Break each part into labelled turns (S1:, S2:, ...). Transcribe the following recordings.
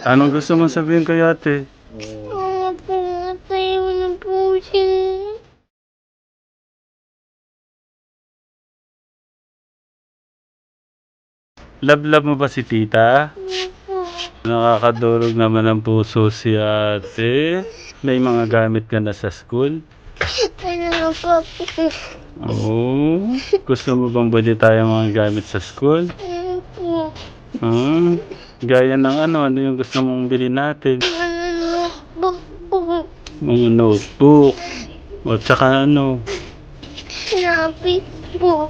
S1: Anong gusto mong sabihin kay ate?
S2: Pumatay mo na po siya.
S1: Love mo ba si tita?
S2: Opo.
S1: Nakakadurog naman ang puso si ate. May mga gamit ka na sa school?
S2: Ano na po?
S1: Oo. Gusto mo bang bili tayo mga gamit sa school?
S2: Opo.
S1: Gaya ng ano yung gusto mong bili natin?
S2: Ano po po?
S1: Mga notebook. O tsaka ano?
S2: Sinabi po.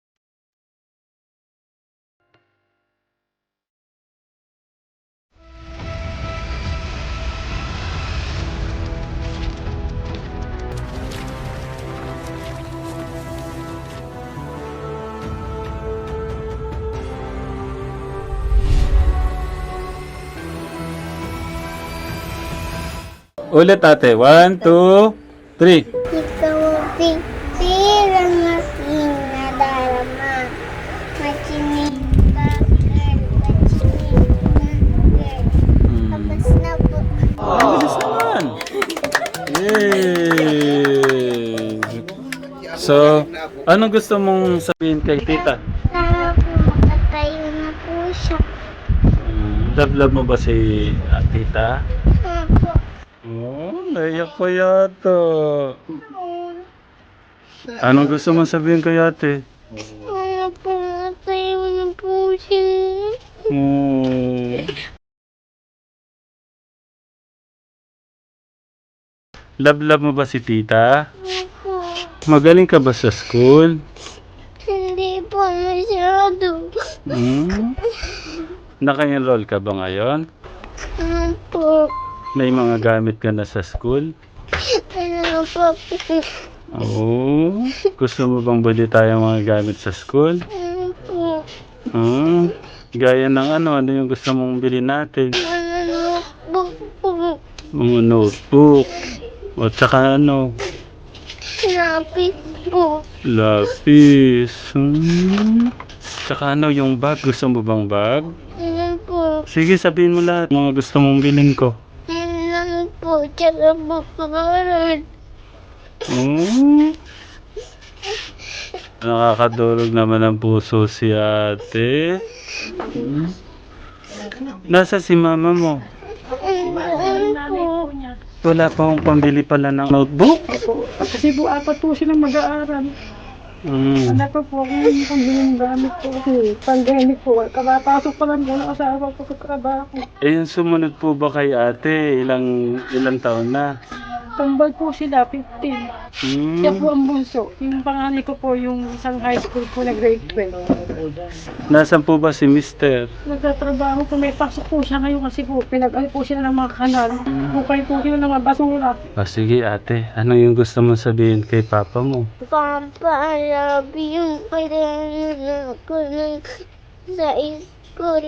S1: Ulit ate. 1, 2, 3.
S2: Ikaw ang pitirang aking nadarama. Machinig ka, girl. Machinig ka, girl. Tapos na po.
S1: Bilis naman. Yay! So, anong gusto mong sabihin kay tita?
S2: Sana po makatayo na po siya.
S1: Love mo ba si tita?
S2: Opo.
S1: Oh, naiyak pa yata. Anong gusto mong sabihin kay ate?
S2: Sana po makatayo na po siya.
S1: Oh. Love mo ba si tita?
S2: Opo.
S1: Magaling ka ba sa school?
S2: Hindi po masyado.
S1: Naka-enroll ka ba ngayon?
S2: Opo.
S1: May mga gamit ka na sa school?
S2: Ano po?
S1: Oo. Gusto mo bang bili tayo mga gamit sa school?
S2: Opo.
S1: Gaya ng ano yung gusto mong bili natin?
S2: Ano po?
S1: Mga notebook. O tsaka ano?
S2: Sinabi po.
S1: Lapis. Tsaka ano yung bag? Gusto mo bang bag?
S2: Ano po?
S1: Sige, sabihin mo lahat. Mga gusto mong bilhin ko.
S2: Ano po? Tsaka po pangalan.
S1: Nakakadurog naman ang puso si ate. Nasa si mama mo?
S2: Ano po?
S1: Wala pa akong pambili pala ng notebook.
S3: Kasi po, apat po silang mag-aaral. Ano po yung pambiling gamit po kasi pandemic po. Kapapasok pa lang po ng asawa ko sa trabaho.
S1: Eh, yung sumunod po ba kay ate? Ilang taon na?
S3: Tambal po sila, 15. Siya po ang bunso. Yung panganay ko po, yung isang high school po na grade 12.
S1: Nasaan po ba si mister?
S3: Nagtatrabaho po, may pasok po siya ngayon kasi po, pinag-ano po sila ng mga kanal. Bukay po sila ng mga basura.
S1: Sige ate, ano yung gusto mong sabihin kay papa mo?
S2: Papa, I love you. Kailangan ako sa school.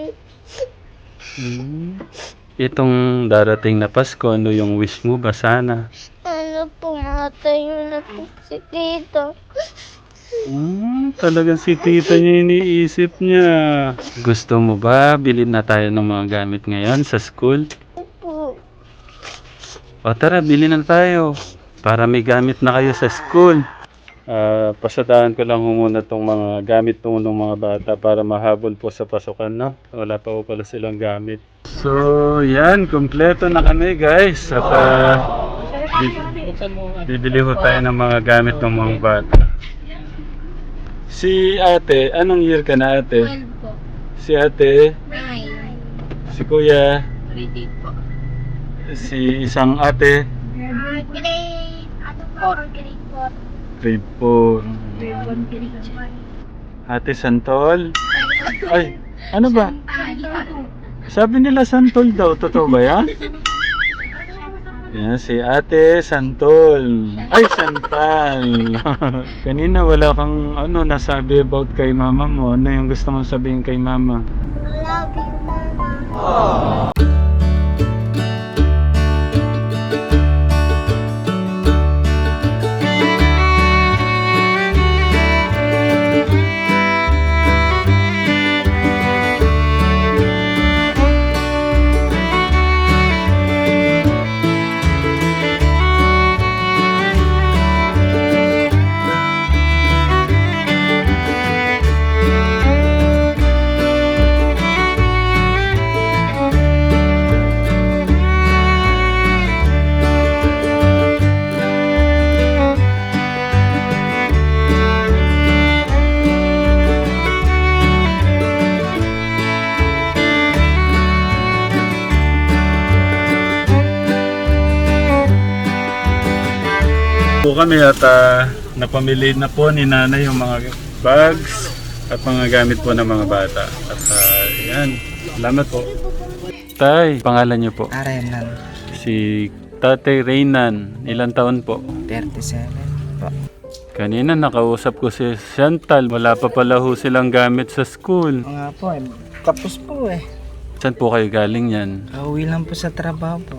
S1: Itong darating na Pasko, ano yung wish mo ba sana?
S2: Ano po, matayo na po si Tito.
S1: Talagang si tita niya iniisip niya. Gusto mo ba bilhin na tayo ng mga gamit ngayon sa school?
S2: Po.
S1: O tara, bilhin na tayo. Para may gamit na kayo sa school. Pasadahan ko lang muna itong mga gamit ng mga bata para mahabol po sa pasukan, no? Wala pa po pala silang gamit. So, yan. Kompleto na kami, guys. At bibili ko tayo ng mga gamit ng mga bata. Si ate, anong year ka na ate?
S2: 12 po.
S1: Si ate,
S2: 9.
S1: si kuya,
S2: Grade 8 po.
S1: si isang ate,
S2: Grade, ano po? Grade 4.
S1: grade 4.
S2: Grade 1, grade 2.
S1: Ate Santol. Ay, ano ba?
S2: Ay,
S1: Sabi nila Santol daw, totoo ba yan? Yan, si Ate Santol. Ay, Santal. Kanina wala kang nasabi about kay mama mo. Ano yung gusto mong sabihin kay mama?
S2: love you, Mama.
S1: po kami at napamili na po ni nanay yung mga bags at mga gamit po ng mga bata. At yan, salamat po. Tay, pangalan niyo po?
S4: Arenan,
S1: Si Tatay Reynan, ilang taon po?
S4: 37 po.
S1: Kanina nakausap ko si Chantal, wala pa pala ho silang gamit sa school.
S4: Nga po tapos po
S1: Saan po kayo galing yan?
S4: Kauwi lang po sa trabaho po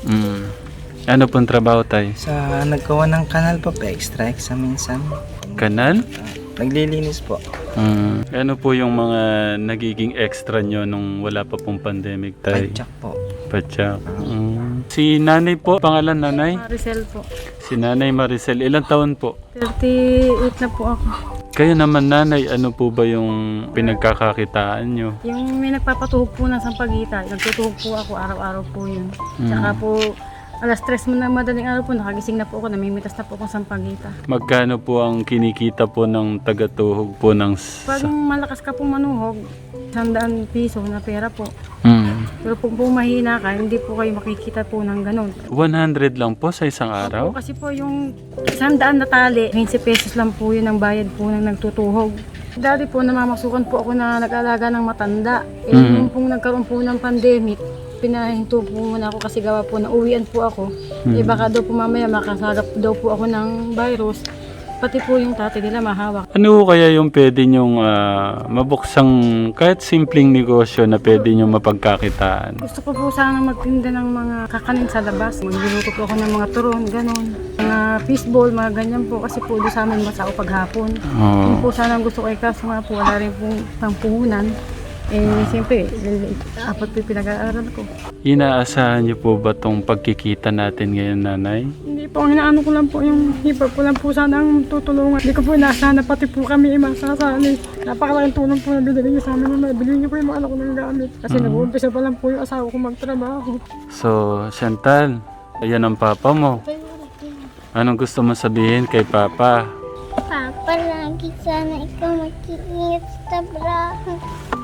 S1: Ano pong trabaho tay?
S4: Sa nagkawa ng kanal po, extra minsan.
S1: Kanal?
S4: Naglilinis po.
S1: Ano po yung mga nagiging extra nyo nung wala pa pong pandemic tay?
S4: Padyak po.
S1: Patsak. Si nanay po, pangalan nanay?
S3: Maricel po.
S1: Si nanay Maricel, ilang taon po?
S3: 38 na po ako.
S1: Kayo naman nanay, ano po ba yung pinagkakakitaan nyo?
S3: Yung may nagpapatuhog po ng sampagita, nagtutuhog po ako araw-araw po yun. Tsaka po, alas 3 mo na madaling araw po, nakagising na po ako, namimitas na po akong sampagita.
S1: Magkano po ang kinikita po ng tagatuhog po ng...
S3: Pag malakas ka pong manuhog, 100 piso na pera po. Pero kung po mahina ka, hindi po kayo makikita po ng ganun.
S1: 100 lang po sa isang araw?
S3: Opo, kasi po yung 100 na tali, 20 pesos lang po yun ang bayad po ng nagtutuhog. Dati po namamasukan po ako na nag-alaga ng matanda. Nung pong nagkaroon po ng pandemic, pinahinto po muna ako kasi gawa po na uwian po ako. Baka daw po mamaya makasagap daw po ako ng virus. Pati po yung tatay nila mahawak.
S1: Ano kaya yung pwede nyong mabuksang kahit simpleng negosyo na pwede nyong mapagkakitaan?
S3: Gusto ko po sana magtinda ng mga kakanin sa labas. Magluluto po ako ng mga turon, ganon. Mga fishball, mga ganyan po. Kasi po doon sa amin masao paghapon. Yun po sana ang gusto ko kaso nga po wala rin pong pangpuhunan. Siyempre, apat po yung pinag-aaral ko.
S1: Inaasahan niyo po ba tong pagkikita natin ngayon, nanay?
S3: Hindi po, ang hinaano ko lang po yung hipag ko lang po sana ang tutulungan. Hindi ko po inaasahan na pati po kami masasali. Napakalaking tulong po na binili niyo sa amin na bilhin niyo po yung mga anak ko ng gamit. Kasi nag-uumpisa pa lang po yung asawa ko magtrabaho.
S1: So, Chantal, ayan ang papa mo. Anong gusto mo sabihin kay papa?
S2: Papa, lagi sana ikaw mag-iingat sa trabaho.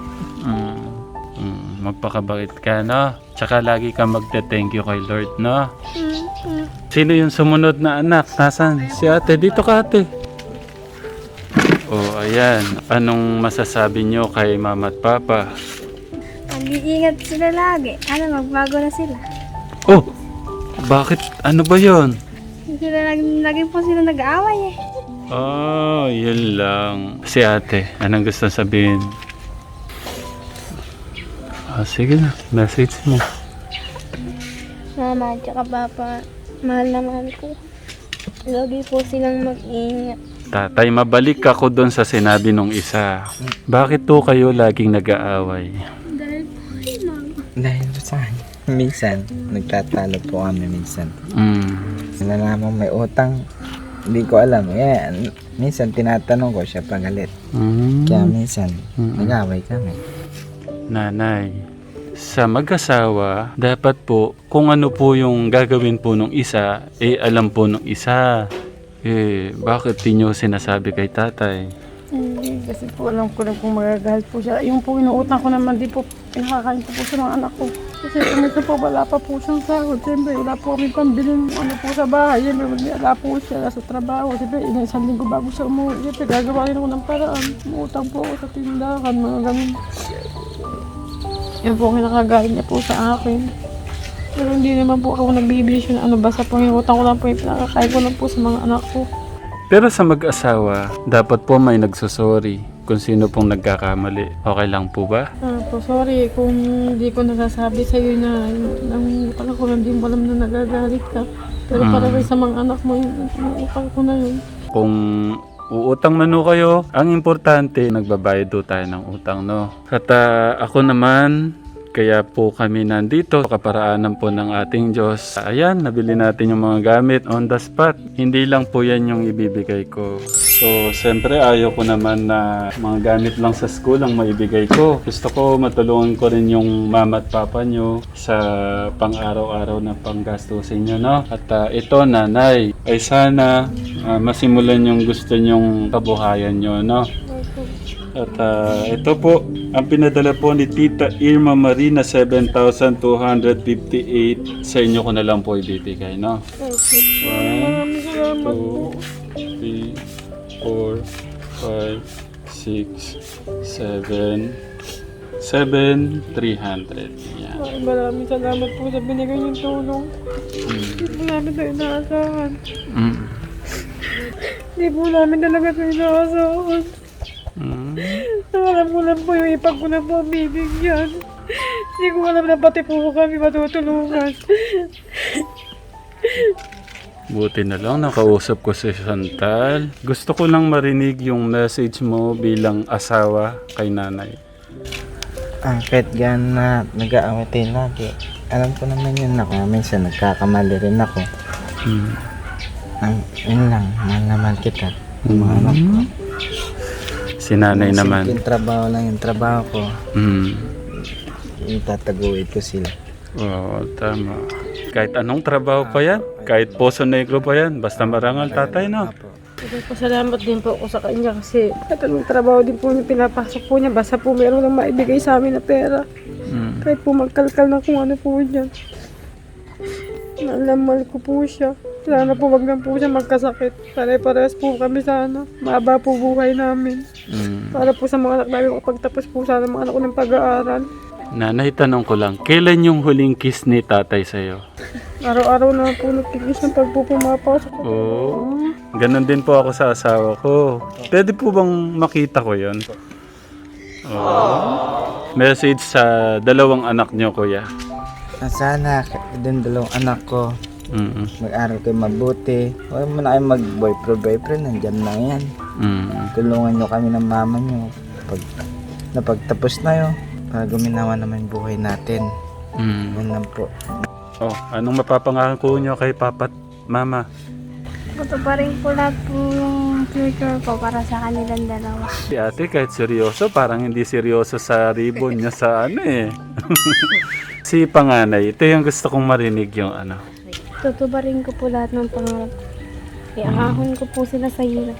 S1: Magpakabait ka, no? Tsaka lagi ka magte-thank you kay Lord, no? Sino yung sumunod na anak? Nasaan? Si ate. Dito ka, ate. Oh, ayan. Anong masasabi nyo kay mama at papa?
S2: Mag-iingat sila lagi. Magbago na sila.
S1: Oh! Bakit? Ano ba yon?
S2: Lagi po sila nag-aaway
S1: Oh, yun lang. Si ate, anong gusto sabihin? Sige na, message mo.
S2: Mama at saka papa, mahal na mahal ko. Lagi po silang mag-iingat.
S1: Tatay, mabalik ako doon sa sinabi nung isa. Bakit to kayo laging nag-aaway?
S4: Dahil po sa kanya. Minsan, nagtatalo po kami minsan. Nalaman may utang, hindi ko alam. Minsan tinatanong ko siya pagalit. Kaya minsan, nag-aaway kami.
S1: Nanay, sa mag-asawa, dapat po, kung ano po yung gagawin po nung isa, alam po nung isa. Bakit di nyo sinasabi kay tatay?
S3: Kasi po alam ko lang kung magagalit po siya. Yung po inuutang ko naman, di po pinakakain ko po sa mga anak ko. Kasi kumita po, wala pa po siyang sahod. Siyempre, wala po kami pambilin po sa bahay. Siyempre, wala po siya sa trabaho. Siyempre, isang linggo bago siya umuwi. Siyempre, gagawa rin ako ng paraan. Umutang po ako sa tindahan, mga ganun. Yan po ang nakagaling niya po sa akin. Pero hindi naman po ako nagbibisyo na basta po yung utang ko lang po yung pinakakain ko lang po sa mga anak ko.
S1: Pero sa mag-asawa, dapat po may nagsusorry kung sino pong nagkakamali. Okay lang po ba?
S3: Po, sorry kung hindi ko nasasabi sa iyo na ang utang ko hindi mo alam na nagagalit ka. Pero para rin sa mga anak mo, yung utang ko na yun.
S1: Kung uutang man ho kayo, ang importante, nagbabayad do tayo ng utang, no? At ako naman, kaya po kami nandito, kaparaanan po ng ating Diyos. Ayan, nabili natin yung mga gamit on the spot. Hindi lang po yan yung ibibigay ko. So, siyempre ayaw ko naman na mga gamit lang sa school ang maibigay ko. Gusto ko matulungan ko rin yung mama at papa nyo sa pang-araw-araw na panggastusin nyo, no? At ito, nanay, ay sana masimulan yung gusto nyong kabuhayan nyo, no? At ito po, ang pinadala po ni Tita Irma Marina, 7,258. Sa inyo ko na lang po ibibigay, no? 1, 2, 3, 4, 5, 6, 7, 7,300. Yan.
S3: Maraming salamat po sa binigay niyong tulong. Hindi po namin ito inaasahan. Hindi po namin talaga ito inaasahan. Alam ko lang po yung ipag ko na po ang bibigyan. Hindi ko alam na pati po kami matutulungan.
S1: Buti na lang nakausap ko si Chantal. Gusto ko lang marinig yung message mo bilang asawa kay nanay.
S4: Kahit gan na nag-aaway tayo lagi, alam ko naman yun ako. Minsan nagkakamali rin ako. Yun lang, mahal naman kita. Mga anak ko.
S1: Si nanay naman.
S4: Yung trabaho lang yung trabaho ko. Itataguin ko sila.
S1: Oo, tama. Kahit anong trabaho pa yan, kahit Poso Negro pa yan, basta marangal tatay, no?
S3: Pasalamat din po ako sa kanya kasi kahit anong trabaho din po niya pinapasok po niya. Basta po meron lang maibigay sa amin na pera. Kahit po magkalkal na kung ano po dyan. Nalamal ko po siya. Sana po wag na po siya magkasakit. Pare-parehas po kami sana. Mahaba po buhay namin. Para po sa mga anak namin kapagtapos po sana mga anak ko ng pag-aaral.
S1: Nanay, tanong ko lang, kailan yung huling kiss ni tatay sa'yo?
S3: Araw-araw na po nagkikis ng pag po pumapasok.
S1: Oo. Ganon din po ako sa asawa ko. Pwede po bang makita ko yon? Message sa dalawang anak niyo, kuya.
S4: Sana din dalawang anak ko mag-aral kayo mabuti. Huwag mo na kayo mag-boyfriend, nandyan lang yan. Tulungan nyo kami ng mama nyo. Napagtapos na yun, para guminawa naman yung buhay natin. Yun lang po.
S1: Oh, anong mapapangako niyo kay papa't mama?
S2: Ito pa rin po lahat po yung future ko para sa kanilang dalawa.
S1: Si ate kahit seryoso, parang hindi seryoso sa ribbon niya sa ano eh. Si panganay, ito yung gusto kong marinig yung ano.
S2: Tutubarin ko po lahat ng pangarap ko. Iahahon ko po sila sa hirap.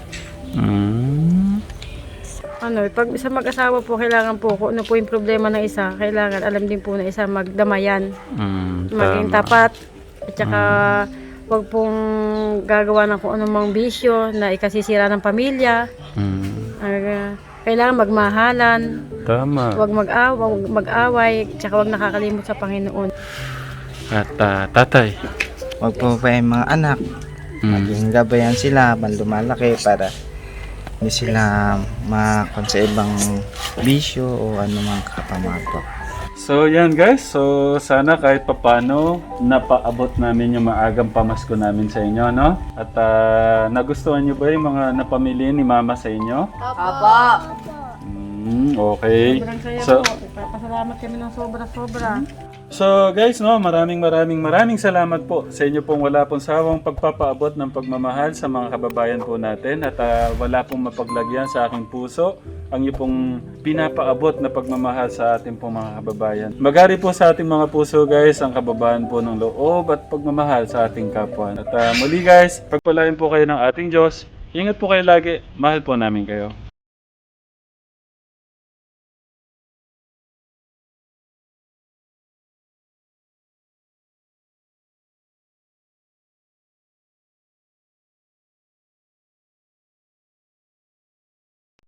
S3: Pag isa mag-asawa po, kailangan po kung ano po yung problema ng isa, kailangan alam din po na isa magdamayan. Maging tapat. At saka wag pong gagawa ng kung anumang bisyo na ikasisira ng pamilya. Kailangan magmahalan.
S1: Tama.
S3: Wag mag-away. At saka wag nakakalimot sa Panginoon.
S1: At tatay.
S4: Huwag po pa yung mga anak. Maging gabayan sila habang lumalaki para hindi sila makon sa ibang bisyo o anumang kapamatok.
S1: So yan guys, so sana kahit papano napaabot namin yung maagang pamasko namin sa inyo, no? At nagustuhan nyo ba yung mga napamili ni mama sa inyo?
S3: Opo!
S1: Okay.
S3: Sobrang saya
S1: So,
S3: po. Pasalamat kami ng sobra-sobra.
S1: So guys, no, maraming salamat po sa inyo pong wala pong sawang pagpapaabot ng pagmamahal sa mga kababayan po natin at wala pong mapaglagyan sa aking puso ang inyo pong pinapaabot na pagmamahal sa ating pong mga kababayan. Magari po sa ating mga puso guys ang kababayan po ng loob at pagmamahal sa ating kapwa. At muli guys, pagpalain po kayo ng ating Diyos. Ingat po kayo lagi. Mahal po namin kayo.